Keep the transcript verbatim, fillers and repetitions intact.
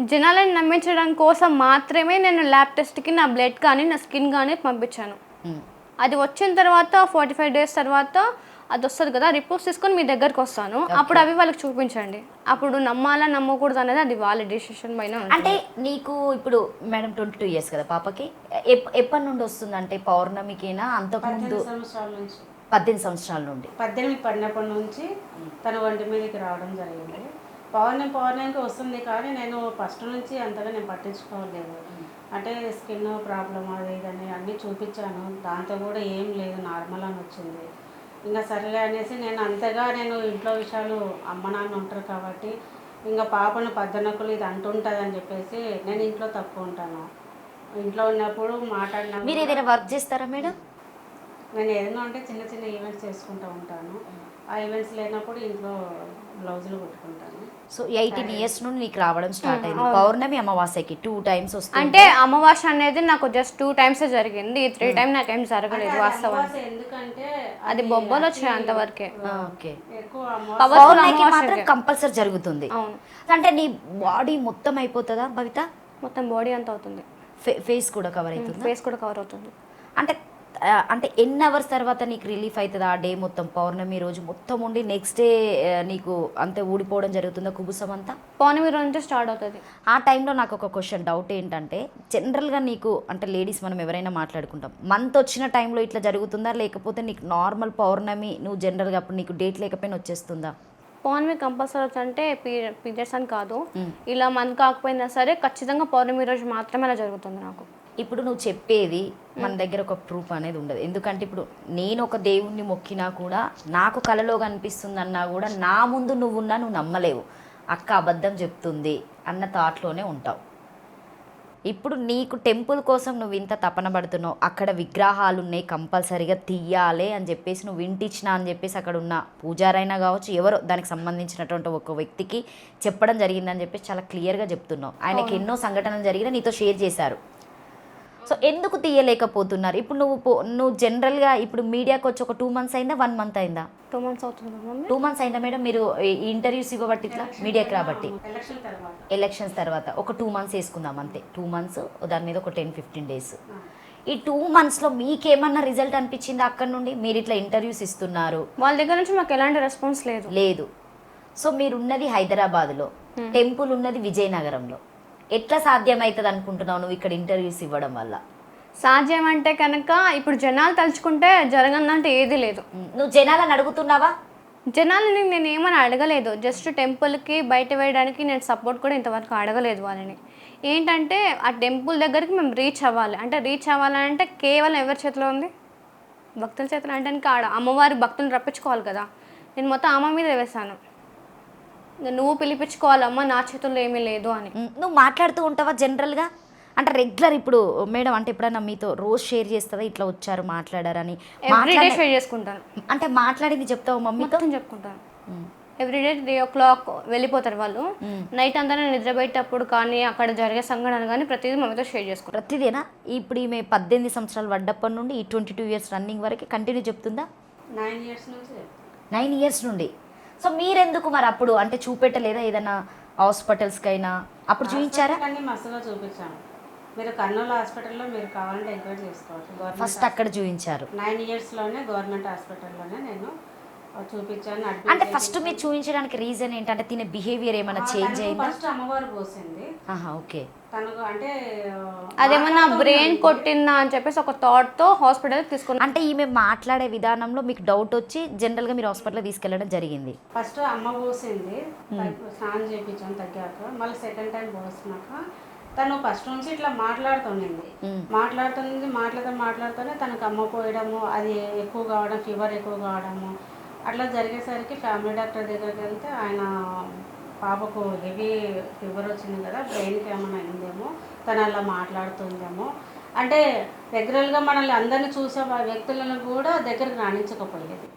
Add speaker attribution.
Speaker 1: జనాలను నమ్మించడం కోసం మాత్రమే నేను ల్యాబ్ టెస్ట్కి నా బ్లడ్ కానీ నా స్కిన్ కానీ పంపించాను. అది వచ్చిన తర్వాత ఫార్టీ ఫైవ్ డేస్ తర్వాత అది వస్తుంది కదా, రిపోర్ట్స్ తీసుకొని మీ దగ్గరకు వస్తాను, అప్పుడు అవి వాళ్ళకి చూపించండి. అప్పుడు నమ్మాలా నమ్మకూడదు అనేది అది వాళ్ళ డిసిషన్ పైన.
Speaker 2: అంటే నీకు ఇప్పుడు మేడం ట్వంటీ టూ ఇయర్స్ కదా పాపకి, ఎప్పటి నుండి వస్తుంది అంటే పౌర్ణమికేనా అంతకుముందు? పద్దెనిమిది సంవత్సరాల నుండి.
Speaker 3: పద్దెనిమిది పడినప్పటి నుంచి తన ఒంటి మీదకి రావడం జరిగింది. పౌర్ణమి పౌర్ణమికి వస్తుంది కానీ నేను ఫస్ట్ నుంచి అంతగా నేను పట్టించుకోలేదు. అంటే స్కిన్ ప్రాబ్లం అది ఇదని అన్నీ చూపించాను, దాంతో కూడా ఏం లేదు, నార్మల్ అని వచ్చింది. ఇంకా సరేలే అనేసి నేను అంతగా నేను ఇంట్లో విషయాలు అమ్మ నాన్న ఉంటారు కాబట్టి ఇంకా పాపను పద్దనకులు ఇది అంటుంటుంది అని చెప్పేసి నేను ఇంట్లో తక్కువ ఉంటాను. ఇంట్లో ఉన్నప్పుడు మాట్లాడినా.
Speaker 2: మీరు ఏదైనా వర్క్ చేస్తారా మేడం?
Speaker 3: నేను ఏదైనా అంటే చిన్న చిన్న ఈవెంట్స్ చేసుకుంటూ ఉంటాను. ఆ ఈవెంట్స్ లేనప్పుడు ఇంట్లో బ్లౌజులు కుట్టుకుంటాను.
Speaker 2: సో ఎయిటీన్ ఇయర్స్ నుండి నీకు రావడం స్టార్ట్ అయింది. పౌర్ణమి అమావాస్యకి టూ టైమ్స్ వస్తుంది.
Speaker 1: అంటే అమావాస్య అనేది నాకు జస్ట్ టూ టైమ్స్ జరిగింది, ఈ త్రీ టైమ్ నాకు ఏం జరగలేదు వాస్తవానికి.
Speaker 3: ఎందుకంటే
Speaker 1: అది బొబ్బలు వచ్చాయి అంతవరకే.
Speaker 2: ఓకే,
Speaker 3: ఎక్కువ
Speaker 2: పౌర్ణమికి మాత్రం కంపల్సరీ జరుగుతుంది.
Speaker 1: అవును.
Speaker 2: అంటే నీ బాడీ మొత్తం అయిపోతుందా భవిత?
Speaker 1: మొత్తం బాడీ అంతా అవుతుంది,
Speaker 2: ఫేస్ కూడా కవర్ అవుతుంది.
Speaker 1: ఫేస్ కూడా కవర్ అవుతుంది.
Speaker 2: అంటే అంటే ఎన్ని అవర్స్ తర్వాత నీకు రిలీఫ్ అవుతుంది ఆ డే మొత్తం? పౌర్ణమి రోజు మొత్తం ఉండి నెక్స్ట్ డే నీకు అంతే ఊడిపోవడం జరుగుతుందా కుబుసం అంతా?
Speaker 1: పౌర్ణమి రోజు నుంచి స్టార్ట్ అవుతుంది.
Speaker 2: ఆ టైంలో నాకు ఒక క్వశ్చన్ డౌట్ ఏంటంటే, జనరల్గా నీకు అంటే లేడీస్ మనం ఎవరైనా మాట్లాడుకుంటాం, మంత్ వచ్చిన టైంలో ఇట్లా జరుగుతుందా, లేకపోతే నీకు నార్మల్ పౌర్ణమి నువ్వు జనరల్గా అప్పుడు నీకు డేట్ లేకపోయినా వచ్చేస్తుందా?
Speaker 1: పౌర్ణమి కంపల్సరీ వచ్చి అంటే పీరియడ్స్ అని కాదు, ఇలా మంత్ కాకపోయినా సరే ఖచ్చితంగా పౌర్ణమి రోజు మాత్రమే అలా జరుగుతుంది నాకు.
Speaker 2: ఇప్పుడు నువ్వు చెప్పేది మన దగ్గర ఒక ప్రూఫ్ అనేది ఉండదు. ఎందుకంటే ఇప్పుడు నేను ఒక దేవుణ్ణి మొక్కినా కూడా నాకు కలలో కనిపిస్తుంది అన్నా కూడా నా ముందు నువ్వున్నా నువ్వు నమ్మలేవు. అక్క అబద్ధం చెప్తుంది అన్న థాట్లోనే ఉంటావు. ఇప్పుడు నీకు టెంపుల్ కోసం నువ్వు ఇంత తపన పడుతున్నావు, అక్కడ విగ్రహాలు ఉన్నాయి కంపల్సరీగా తీయాలి అని చెప్పేసి నువ్వు ఇంటిచ్చినా అని చెప్పేసి అక్కడ ఉన్న పూజారైనా కావచ్చు ఎవరో దానికి సంబంధించినటువంటి ఒక వ్యక్తికి చెప్పడం జరిగిందని చెప్పేసి చాలా క్లియర్గా చెప్తున్నావు. ఆయనకి ఎన్నో సంఘటనలు జరిగినా నీతో షేర్ చేశారు. సో ఎందుకు తీయలేకపోతున్నారు? ఇప్పుడు నువ్వు నువ్వు జనరల్గా ఇప్పుడు మీడియాకి వచ్చి ఒక టూ మంత్స్ అయిందా, వన్ మంత్ అయిందా?
Speaker 1: టూ మంత్స్ అవుతుంది.
Speaker 2: టూ మంత్స్ అయిందా మేడం మీరు ఇంటర్వ్యూస్ ఇవ్వబట్టి ఇట్లా మీడియాకి రాబట్టి? ఎలక్షన్స్ తర్వాత ఒక టూ మంత్స్ వేసుకుందాం అంతే. టూ మంత్స్ దాని మీద ఒక టెన్ ఫిఫ్టీన్ డేస్. ఈ టూ మంత్స్లో మీకేమన్నా రిజల్ట్ అనిపించిందా అక్కడ నుండి? మీరు ఇట్లా ఇంటర్వ్యూస్ ఇస్తున్నారు,
Speaker 1: వాళ్ళ దగ్గర నుంచి మాకు ఎలాంటి రెస్పాన్స్ లేదు.
Speaker 2: లేదు. సో మీరు ఉన్నది హైదరాబాద్లో, టెంపుల్ ఉన్నది విజయనగరంలో. ఎట్లా సాధ్యమవుతుంది అనుకుంటున్నావు నువ్వు ఇక్కడ ఇంటర్వ్యూస్ ఇవ్వడం వల్ల?
Speaker 1: సాధ్యం అంటే కనుక ఇప్పుడు జనాలు తలుచుకుంటే జరగనంటే ఏది లేదు.
Speaker 2: నువ్వు జనాలను అడుగుతున్నావా?
Speaker 1: జనాలని నేను ఏమని అడగలేదు, జస్ట్ టెంపుల్కి బయట వేయడానికి నేను సపోర్ట్ కూడా ఇంతవరకు అడగలేదు వాళ్ళని. ఏంటంటే ఆ టెంపుల్ దగ్గరికి మేము రీచ్ అవ్వాలి. అంటే రీచ్ అవ్వాలంటే కేవలం ఎవరి చేతిలో ఉంది? భక్తుల చేతిలో. అంటే ఆడ అమ్మవారి భక్తులను రప్పించుకోవాలి కదా. నేను మొత్తం అమ్మ మీద వేశాను, నువ్వు పిలిపించుకోవాలమ్మా, నా చేతుల్లో ఏమీ లేదు అని.
Speaker 2: నువ్వు మాట్లాడుతూ ఉంటావా జనరల్గా? అంటే రెగ్యులర్ ఇప్పుడు మేడం అంటే ఎప్పుడైనా మీతో రోజు షేర్ చేస్తుందా ఇట్లా వచ్చారు మాట్లాడారని?
Speaker 1: ఎవ్రీడే షేర్ చేసుకుంటాను.
Speaker 2: అంటే మాట్లాడింది చెప్తావు మమ్మీతో?
Speaker 1: చెప్పుకుంటాను. ఎవ్రీడే త్రీ ఓ క్లాక్ వెళ్ళిపోతారు వాళ్ళు. నైట్ అంతా నేను నిద్రపోయేటప్పుడు కానీ అక్కడ జరిగే సంఘటనలు కానీ ప్రతిదీ మమ్మీతో షేర్ చేసుకుంటాను.
Speaker 2: ప్రతిదేనా? ఇప్పుడు ఈమె పద్దెనిమిది సంవత్సరాలు పడ్డప్పటి నుండి ఈ ట్వంటీ టూ ఇయర్స్ రన్నింగ్ వరకు కంటిన్యూ చెప్తుందా?
Speaker 3: నైన్ ఇయర్స్ నుంచి.
Speaker 2: నైన్ ఇయర్స్ నుండి. సో మీరెందుకు మరి అప్పుడు అంటే చూపెట్టలేదా ఏదైనా హాస్పిటల్స్కైనా? అప్పుడు చూపించారా?
Speaker 3: అన్ని మస్తుగా చూపించాను. మీరు కర్నూలు హాస్పిటల్లో మీరు కావాలంటే ఎంక్వైరీ చేసుకోవచ్చు.
Speaker 2: ఫస్ట్ అక్కడ చూపించారు.
Speaker 3: నైన్ ఇయర్స్లోనే గవర్నమెంట్ హాస్పిటల్లోనే నేను చూపించాను.
Speaker 2: అంటే ఫస్ట్ మీరు చూపించడానికి రీజన్ ఏంటంటే తినే బిహేవియర్ ఏమైనా చేంజ్ అయిందా?
Speaker 3: ఫస్ట్ అమ్మవారు పోసింది.
Speaker 2: ఓకే.
Speaker 3: తనకు అంటే
Speaker 1: అదేమన్నా బ్రెయిన్ కొట్టిందా అని చెప్పేసి ఒక థాట్ తో హాస్పిటల్ తీసుకుని.
Speaker 2: అంటే ఈమె మాట్లాడే విధానంలో మీకు డౌట్ వచ్చి జనరల్ గా మీరు హాస్పిటల్ తీసుకెళ్లడం జరిగింది.
Speaker 3: ఫస్ట్ అమ్మ పోసింది, స్నానం చేయించాను తగ్గాక. మళ్ళీ సెకండ్ టైం పోసినాక తను ఫస్ట్ నుంచి ఇట్లా మాట్లాడుతుండింది మాట్లాడుతుంది మాట్లాడుతూ మాట్లాడుతూనే తనకు అమ్మ పోయడము, అది ఎక్కువ కావడం, ఫీవర్ ఎక్కువ కావడము అట్లా జరిగేసరికి ఫ్యామిలీ డాక్టర్ దగ్గరికి వెళ్తే ఆయన పాపకు హెవీ ఫీవర్ వచ్చింది కదా, బ్రెయిన్కి ఏమైనా అయిందేమో, తను అలా మాట్లాడుతుందేమో అంటే రెగ్యులర్గా మనల్ని అందరినీ చూసే వ్యక్తులను కూడా దగ్గరికి రాణించకపోయేది.